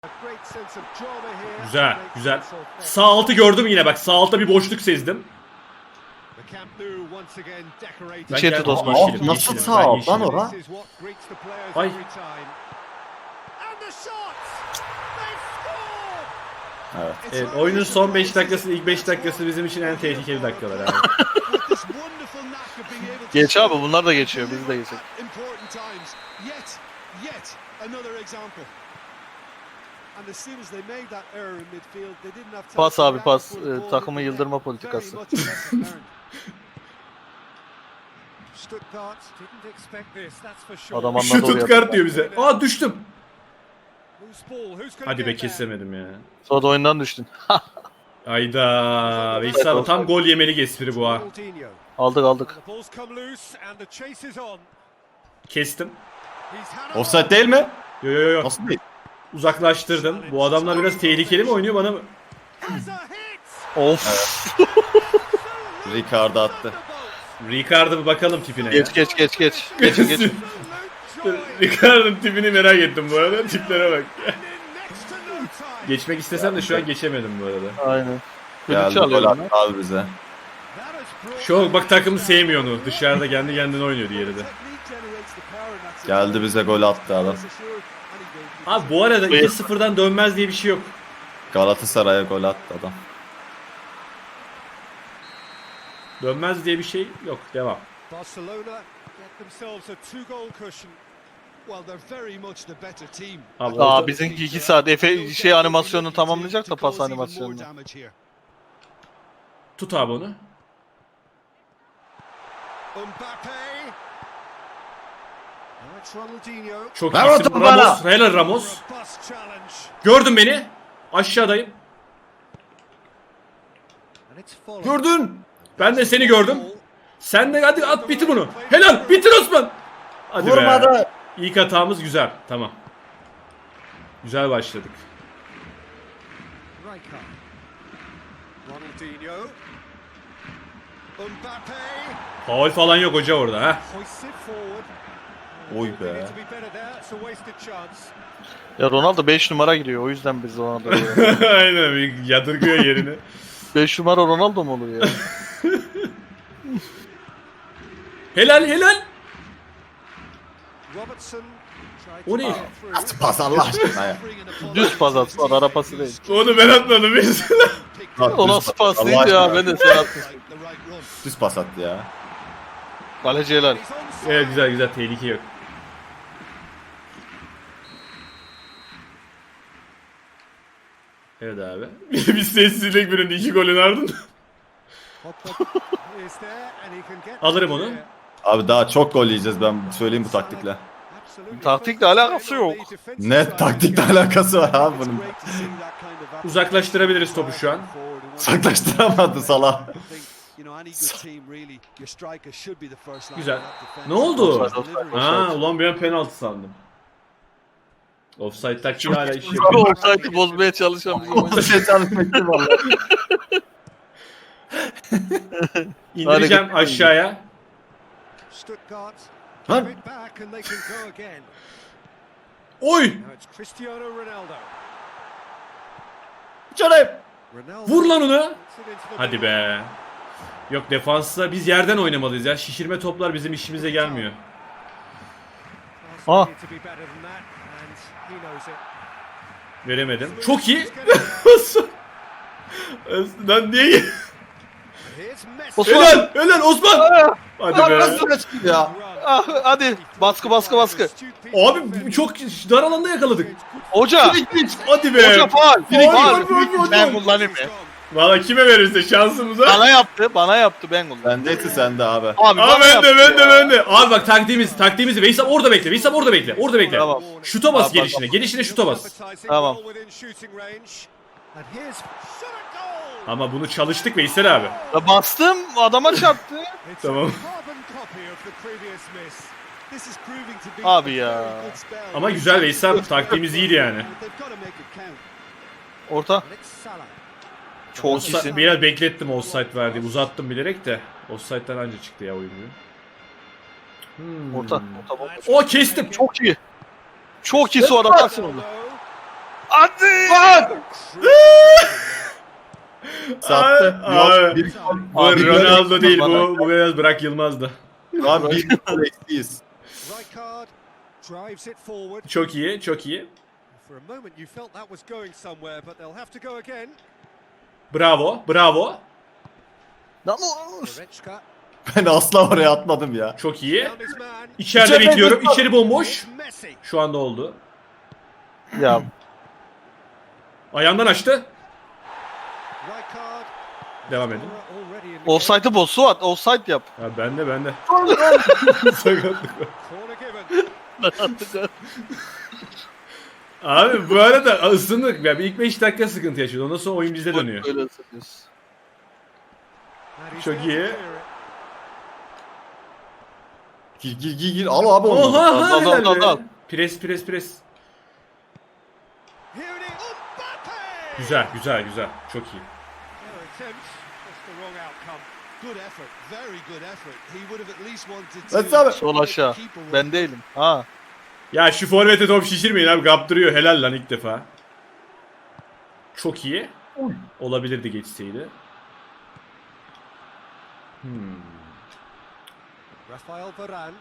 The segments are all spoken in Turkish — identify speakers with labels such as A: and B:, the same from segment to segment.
A: Güzel, güzel. Sağ altı gördüm yine bak. Sağ altta bir boşluk sezdim.
B: İçeri tut Osman.
A: Yeşilim,
C: Nasıl
A: yeşilim.
C: sağ
A: Ben
C: alt lan
A: yeşilim.
C: ora?
A: Ay.
C: Evet.
A: Evet, oyunun son 5 dakikası, ilk 5 dakikası bizim için en tehlikeli dakikalar abi.
B: Geç abi, bunlar da geçiyor, biz de geçelim. Pas abi, pas. Takımı yıldırma politikası. Adam anladı
A: Şu
B: oraya.
A: tutkart diyor bize. Aa düştüm. Hadi be kesemedim ya.
B: Sonra da oyundan düştün.
A: Ayda. Veysel abi tam gol yemelik espri bu ha.
B: Aldık.
A: Kestim.
C: Offside değil mi?
A: Yo yo yo.
C: Nasıl değil?
A: Uzaklaştırdım. Bu adamlar biraz tehlikeli mi oynuyor bana mı?
B: Of.
C: Ricardo attı.
A: Ricardo bir bakalım tipine ya.
B: Geç. Geç.
A: Ricardo'nun tipini merak ettim bu arada. Tiplere bak. Geçmek istesem de şu an geçemedim bu arada.
B: Aynen.
C: Geldi
B: Filiç'i
C: gol
B: alıyorum
C: attı abi bize.
A: Şu bak takımı sevmiyor onu. Dışarıda kendi kendine oynuyor diğeri de.
C: Geldi bize gol attı adam.
A: Abi bu arada 2-0'dan dönmez diye bir şey yok.
C: Galatasaray'a gol attı adam.
A: Dönmez diye bir şey yok. Devam. Abi,
B: Aa, bizimki 2 saat Efe animasyonunu tamamlayacak da pas animasyonunu.
A: tut abi onu. Çok
C: Ver
A: iyisin.
C: topu bana.
A: Ramos. Helal Ramos. Gördün beni. Aşağıdayım.
C: Gördün.
A: Ben de seni gördüm. Sen de hadi at bitir bunu. Helal bitir Osman. Hadi be.
C: Vurmadı.
A: İlk hatamız güzel. Tamam. Güzel başladık. Faul falan yok hoca orada ha.
C: Oy be.
B: Ya Ronaldo 5 numara giriyor, o yüzden biz Ronaldo'yu.
A: Aynen bir yadırgıyor yerini.
B: 5 numara Ronaldo mu olur ya?
A: Helal. O ne?
C: Nasıl pas Allah aşkına ya.
B: Düz pas atsan, ara pası değil.
A: Onu ben atmadım mesela.
B: O nasıl pas
C: Allah
B: değil ya,
C: aşkına.
B: ben de sen attın.
C: Düz pas attı ya.
B: Kaleci helal.
A: Evet güzel tehlike yok. Evet abi. Bir sessizlik birinin 2 golün ardından. Alırım onu.
C: Abi daha çok gol yiyeceğiz, ben söyleyeyim bu taktikle.
B: Taktikle alakası yok.
C: Ne taktikle alakası var abi bunun.
A: Uzaklaştırabiliriz topu şu an.
C: Saklaştıramadı Salah.
A: Güzel. Ne oldu?
B: Offside.
A: Ha ulan bir an penaltı sandım. Offside taktiği hala iş yapıyor.
B: Offside'ı bozmaya çalışan bizim oyuncu.
C: Şey çalışmıştı valla.
A: İndireceğim aşağıya.
C: Lan.
A: Oy!
C: Canım.
A: Vur lan onu. Hadi be. Yok defansta biz yerden oynamalıyız ya. Şişirme toplar bizim işimize gelmiyor.
B: Ah.
A: Veremedim. Çok iyi. Lan niye?
B: Osman.
A: Helal Osman. Hadi be.
C: Nasıl ya?
B: Ah, hadi baskı.
A: Abi çok dar alanda yakaladık.
B: Hoca.
A: Hadi be.
B: Hoca faul.
A: Faul.
B: Ben kullanayım mı?
A: Valla kime verirse şansımıza.
B: Bana yaptı ben kullandım.
C: Bendeyse sende abi.
B: Abi
A: Aa
B: bana
A: ben
B: yaptı ya.
A: de. Abi bak taktiğimizi. Veysel orada bekle. Orada bekle.
B: Tamam.
A: Şuta bas
B: Tamam,
A: gelişine. Gelişine şuta bas.
B: Tamam.
A: Ama bunu çalıştık Veysel abi.
B: Ya bastım, adama çarptı.
A: Tamam.
B: Abi ya.
A: Ama güzel Veysel abi. Taktiğimiz iyiydi yani.
B: Orta. Çok iyisin.
A: Biraz beklettim offside verdi. Uzattım bilerek de. Offside'den anca çıktı ya oyuncu.
B: Orta.
A: O kestim.
B: Çok iyi. Çok iyi, sonra atarsın onu. Hadi.
C: Sattı.
A: Abi.
C: Yok, bir gol.
A: Bu
C: Abi,
A: Ronaldo değil
B: bana.
A: bu biraz Burak Yılmaz'dı.
C: Abi bir gol eksiyiz.
D: Rijkaard drives it forward.
A: Çok iyi, çok iyi.
D: For a moment you felt that was going somewhere, but they'll have to go again.
A: Bravo, bravo.
B: Lan
D: Goretzka
C: Ben asla oraya atmadım ya.
A: Çok iyi.
D: found his man.
A: İçeride
C: İçeride
A: bekliyorum.
C: bekliyorum.
A: İçeri bomboş.
D: Messi.
A: Şu anda oldu.
B: ya
A: Ayağından açtı.
D: Rijkaard.
A: Devam edin.
D: Already in the
B: offside'ı boz Suat. Offside yap.
A: Ya bende. Sakatlık var.
D: corner given.
A: Abi bu arada ısındık. Ya bir ilk 5 dakika sıkıntı yaşıyordu. Ondan sonra oyun bize dönüyor.
B: Öyle ısınıyoruz.
D: And he's
A: Çok
D: there to
A: iyi.
D: clear it.
C: Gir. Al abi onu.
A: Oha
B: Al, al,
A: helal be.
B: al.
A: Pres.
D: Here it is. Mbappe!
A: Güzel. Çok iyi.
D: Their attempts, just the wrong outcome.
E: Good effort, very good effort. He would have at least wanted
C: Let's
E: to.
C: have it.
B: Sol aşağı. Ben değilim. Ha.
A: Ya şu forvete top şişirmeyin abi. Kaptırıyor. Helal lan ilk defa. Çok iyi. Olabilirdi geçseydi.
D: Rafael Varane.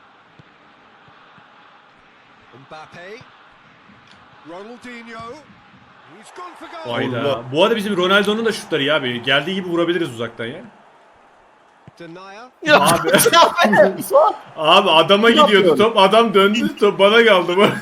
D: Mbappe. Ronaldinho. He's gone for goal.
A: Hayda. Bu arada bizim Ronaldo'nun da şutları ya abi. Geldiği gibi vurabiliriz uzaktan ya.
D: Denier.
A: Abi. Abi adama gidiyordu
C: yapıyorsun?
A: top. Adam döndü. Top bana kaldı bu.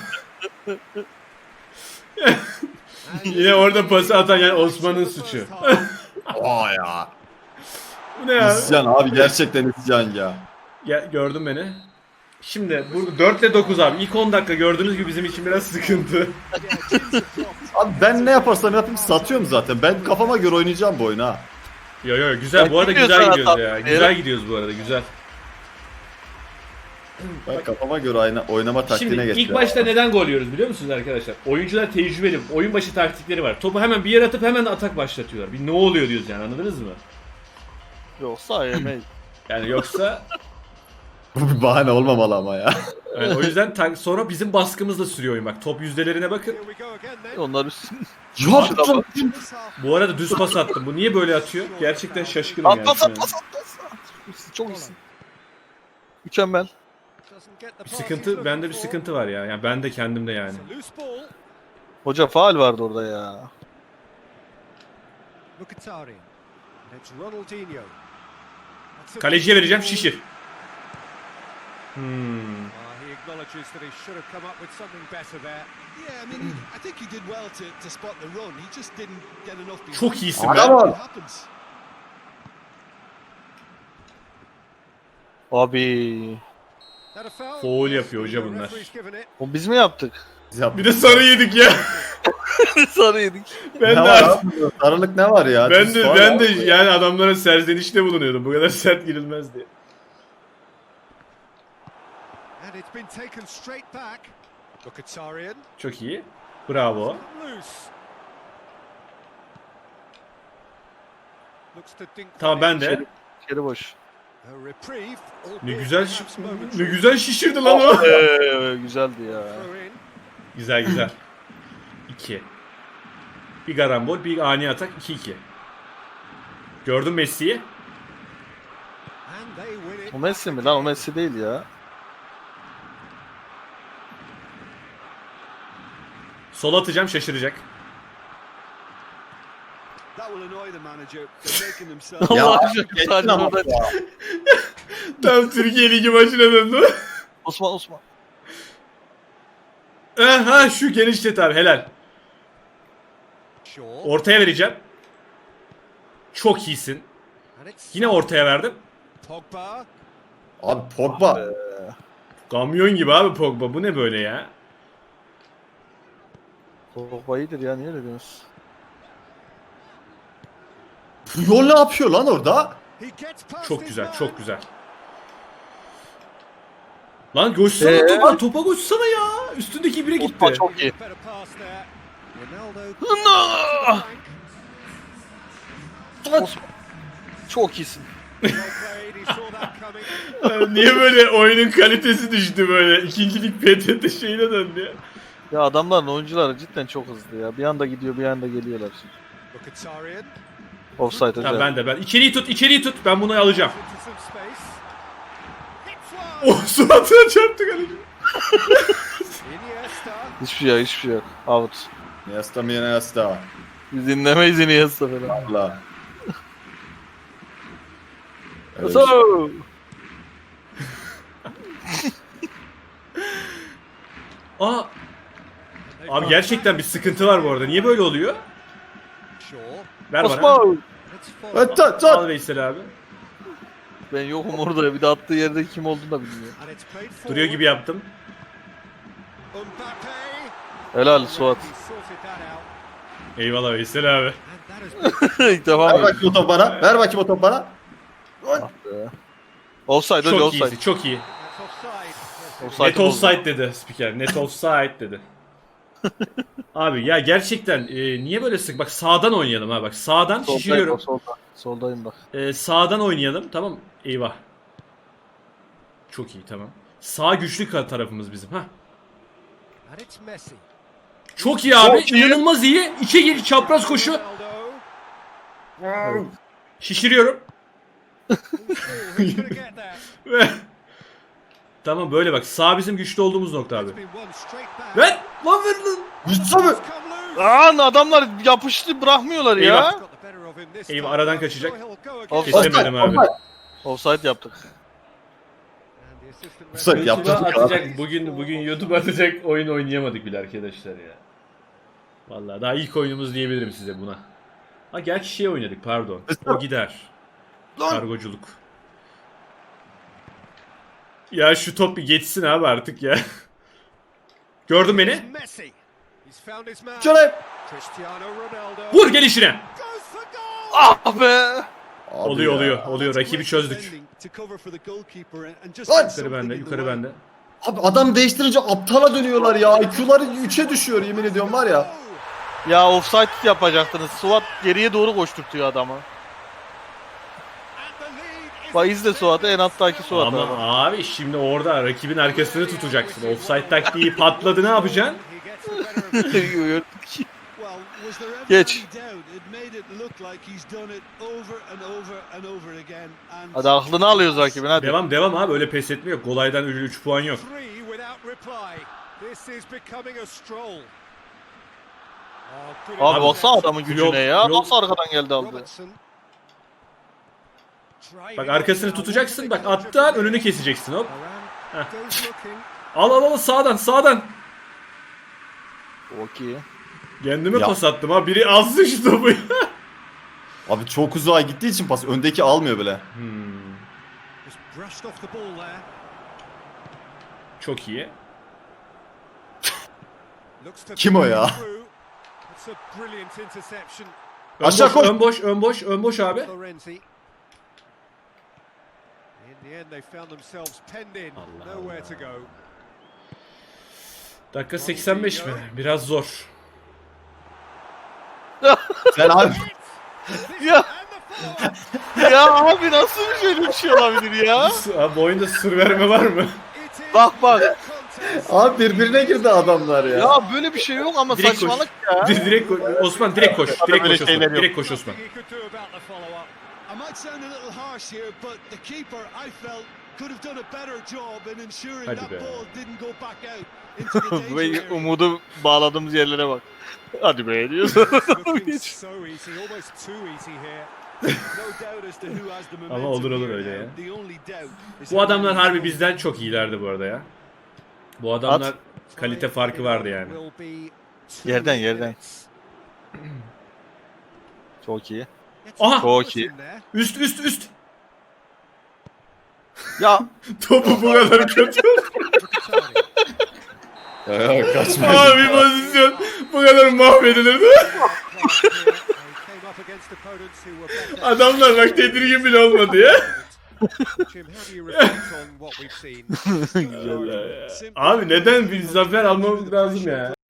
A: Yine orada pası atan yani Osman'ın suçu.
C: Aa ya.
A: Bu ne ya?
C: İsyan abi, gerçekten isyan ya.
A: Gördün beni. Şimdi burada 4 ile 9 abi. İlk 10 dakika gördüğünüz gibi bizim için biraz sıkıntı.
C: Abi ben ne yaparsam yapayım satıyorum zaten. Ben kafama göre oynayacağım bu oyunu ha.
A: Yo güzel. Bu arada
B: Gidiyoruz
A: güzel
B: sana
A: gidiyoruz ya.
B: tatlı
A: Güzel gidiyoruz bu arada. Güzel.
C: Ben kafama göre oynama taktiğine
A: Şimdi
C: geçtim.
A: ilk başta neden gol yiyoruz biliyor musunuz arkadaşlar? Oyuncular tecrübeli. Oyun başı taktikleri var. Topu hemen bir yere atıp hemen atak başlatıyorlar. Bir ne oluyor diyoruz yani, anladınız mı?
B: Yoksa yemeyiz.
A: Yani yoksa
C: Bu bir bahane olmamalı ama ya.
A: yani o yüzden sonra bizim baskımızla sürüyor oyun bak. Top yüzdelerine bakın.
D: Here we go again then.
B: Onlar üstün.
C: Yaptım.
D: This half
A: Bu arada düz pas attım. Bu niye böyle atıyor? Gerçekten şaşkınım yani.
B: At pas
A: şu an.
B: at pas at pas. Çok iyisin. Mükemmel.
D: doesn't get the
A: Bir
D: pass he's
A: sıkıntı,
D: looking
A: bende bir
D: for.
A: sıkıntı var ya. Yani ben de kendimde yani.
D: It's a loose ball.
B: Hoca faul vardı orada ya.
D: Mkhitaryan. And it's Ronaldinho. That's a-
A: Kaleciye vereceğim, şişir.
D: He acknowledges that he should have come up with something better there.
E: Yeah, I mean, I think he did well to spot the run. He just didn't get enough behind.
A: Çok iyisin
C: Adam
A: be.
C: ol.
E: It happens.
B: Abi.
D: That a foul?
A: Foul yapıyor hoca
D: The
A: bunlar.
D: referee's given it.
B: O biz mi yaptık?
A: Bir de sarı yedik ya.
B: Sarı yedik.
A: Ben
C: Ne
A: de
C: var abi? Sarılık ne var ya?
A: ben
C: Düz
A: de
C: faul
A: ben
C: abi.
A: de yani adamlara serzenişte bulunuyordum. Bu kadar sert girilmez diye.
D: And it's been taken straight back. Mkhitaryan.
A: Çok iyi. Bravo.
D: Loose. Looks to dink
A: Tamam ben de.
B: İçeri boş.
D: a reprieve.
A: Ne
D: albeit
A: güzel
D: perhaps
A: ne
D: momentary.
A: güzel şişirdi lan o.
B: Güzeldi ya.
D: Throw in.
A: Güzel. 2. Bir karambol, bir ani atak, 2-2. Gördün Messi'yi.
D: And they win it.
B: O Messi mi lan? O Messi değil ya.
A: Sol atacağım, şaşıracak.
E: That will annoy the manager. They're making themselves.
C: Ya
B: Allah
C: abi,
B: aşkına
C: geçtin
B: sadece
C: ama
B: orada.
C: ya.
A: Tam Türkiye Ligi maçına döndü.
B: Osman.
A: Aha şu genişlet abi, helal.
D: Shaw.
A: Ortaya vereceğim. Çok iyisin.
D: And it's
A: Yine ortaya verdim.
D: Pogba.
C: Abi Pogba.
A: Kamyon gibi abi Pogba. Bu ne böyle ya?
B: Pogba iyidir ya, niye öyle diyorsunuz?
C: Puyol ne yapıyor lan orada?
D: He gets past
A: Çok
D: his
A: güzel,
D: man.
A: çok güzel. Lan koşsana topa koşsana ya. Üstündeki bire gitti.
B: Osman çok iyi.
D: Better pass there.
B: No!
D: Ronaldo.
B: Osman. Çok iyisin.
D: Well played. He saw that coming.
A: Niye böyle oyunun kalitesi düştü böyle? İkincilik PTT şeyine döndü ya.
B: Ya adamların oyuncuları cidden çok hızlı ya. Bir anda gidiyor bir anda geliyorlar.
E: Mkhitaryan
B: Offside
A: Tamam
B: hocam.
A: ben de. İçeriği tut. Ben bunu alacağım.
E: into some space. Hits one.
A: Oh suratına çarptı kaleci.
E: Iniesta.
B: Hiçbir şey yok. Out.
C: Iniesta mi Iniesta.
B: Biz dinlemeyiz Iniesta falan.
C: Allah. Evet.
B: So.
A: Aa. Abi gerçekten bir sıkıntı var bu arada. Niye böyle oluyor?
E: Shaw.
A: Ver bana.
B: Osman.
E: Let's
C: Evet,
E: follow.
C: tut, tut.
A: Al Veysel abi.
B: Ben yokum orada. Bir de attığı yerde kim olduğunu da bilmiyorum.
E: And it's played forward.
A: Duruyor gibi yaptım.
E: Mbappe.
B: Helal Suat.
E: He sorted that out.
A: Eyvallah Veysel abi.
E: And that has been
B: İlk defa
C: Ver
B: mı?
C: bakayım o topu bana. Ver bakayım o topu bana.
B: Offside hocam
A: Çok
B: offside.
A: iyisi, çok iyi.
E: that's offside.
B: Offside
A: Net
B: bozdu.
A: offside dedi spiker. Net offside dedi. Abi ya gerçekten niye böyle sık? Bak sağdan oynayalım ha bak. Sağdan
B: Soldayım,
A: şişiriyorum.
B: solda. Soldayım bak.
A: Sağdan oynayalım. Tamam. Eyvah. Çok iyi tamam. Sağ güçlü tarafımız bizim. Ha.
E: And it's Messi.
A: Çok iyi abi.
B: Çok iyi.
A: İnanılmaz iyi. İçe gir çapraz koşu.
E: Ronaldo.
A: Şişiriyorum.
E: Who's gonna get that?
A: Ve tamam böyle bak. Sağ bizim güçlü olduğumuz nokta abi.
E: It's been one straight back.
A: Ver! Lan ver lan!
C: Gitse mi?
E: It's come loose.
B: Lan adamlar yapıştı bırakmıyorlar
A: Eyvah.
B: ya.
E: Got the better of him this
A: Eyvah,
E: time.
A: aradan kaçacak.
E: So he'll go again.
B: Offside.
A: Kesemedim abi.
C: Offside.
B: Offside yaptık.
E: And the assistant
C: Offside
E: referee-
C: yaptı.
A: YouTube'a atacak. Bugün YouTube atacak oyun oynayamadık bile arkadaşlar ya. Vallahi daha ilk oyunumuz diyebilirim size buna. Ha gerçi şey oynadık pardon. O gider. Kargoculuk. Ya şu top bir geçsin abi artık ya. Gördün beni.
E: Messi. He's found his man.
C: Şöyle.
E: Cristiano Ronaldo.
A: Vur gelişine.
E: Goes for goal.
B: Ah be.
C: Abi
A: Oluyor
C: ya.
A: oluyor. Oluyor. Rakibi çözdük.
E: To cover for the goalkeeper and just
C: Lan!
E: get
A: Yukarı bende.
E: something in the
A: Yukarı
E: way.
A: bende.
C: Abi adam değiştirince aptala dönüyorlar ya. IQ'ları 3'e düşüyor yemin ediyorum var ya.
B: Ya offside yapacaktınız. Suat geriye doğru koşturtuyor adamı.
E: And the lead is
B: Bak izle Suat'ı en alttaki Suat
A: Ama
B: abi.
A: abi şimdi orada rakibin arkasını tutacaksın. Offside taktiği patladı ne yapacaksın?
E: He gets the better of it. Well, was there ever
B: Geç.
E: any doubt? It made it look like he's done it over and over and over again. And
B: Hadi aklını alıyoruz rakibin hadi.
A: Devam abi öyle pes etme yok. Golaydan 3 puan yok.
E: three without reply. This is becoming a stroll. Oh, good
B: Abi
A: Abi,
B: baksana adamın gücüne
A: yok,
B: ya.
A: yok.
B: Nasıl arkadan geldi aldı.
E: Robertson.
A: Bak arkasını tutacaksın. Bak attı an önünü keseceksin hop.
E: Varane goes looking.
A: Al sağdan.
B: Okey.
A: Kendime
C: Ya.
A: pas attım ha. Biri alsın şu topu.
C: Abi çok uzağa gittiği için pas öndeki almıyor bile.
E: Just brushed off the ball there.
A: Çok iyi.
E: Looks to
C: Kim o ya?
E: through. It's a brilliant interception.
C: Aşağı koş.
A: Ön boş abi.
E: Florenzi. In the end they found themselves penned in.
A: Allah
E: Nowhere to go.
A: Dakika 85 mi? Biraz zor.
C: Sen abi
B: Ya. Ya abi nasıl bir şöyle bir şey olabilir ya?
A: Abi bu oyunda sır verme var mı?
B: Bak bak.
C: abi birbirine girdi adamlar ya.
B: Ya böyle bir şey yok ama
A: Direkt koş.
B: saçmalık ya.
A: Direkt Osman direkt koş.
B: Böyle
A: Direkt koş
B: şeyler
A: Osman.
B: yok.
A: Direkt koş Osman.
E: He could do about the follow-up. I might sound a little harsh here, but the keeper, I felt, could have done a better job in ensuring
A: Hadi
E: that
A: be.
E: ball didn't go back out into the danger
B: Ve
E: area.
B: umudu bağladığımız yerlere bak. Hadi be diyorsun.
E: Looking so easy, almost too easy here. No doubt as to who has the momentum
A: olur
E: here
A: öyle
E: now.
A: ya.
E: The only doubt is
A: Bu
E: how
A: adamlar
E: many
A: harbi
E: goals
A: bizden çok iyilerdi bu arada ya. Bu adamlar kalite farkı vardı yani.
E: will be two
B: Yerden.
E: minutes.
B: Çok iyi.
E: Gets
A: Aha!
E: the
B: Çok
E: ball
B: iyi.
E: in there.
A: Üst.
B: Ya
A: Topu bu kadar kötü.
C: Ya, kaçma.
A: Abi pozisyon bu kadar mahvedilirdi.
E: They came up against opponents who were better.
A: Adamlar bak tedirgin bile olmadı ya.
E: Jim, how do you reflect on what we've seen?
A: Abi neden bir zafer almamız lazım ya?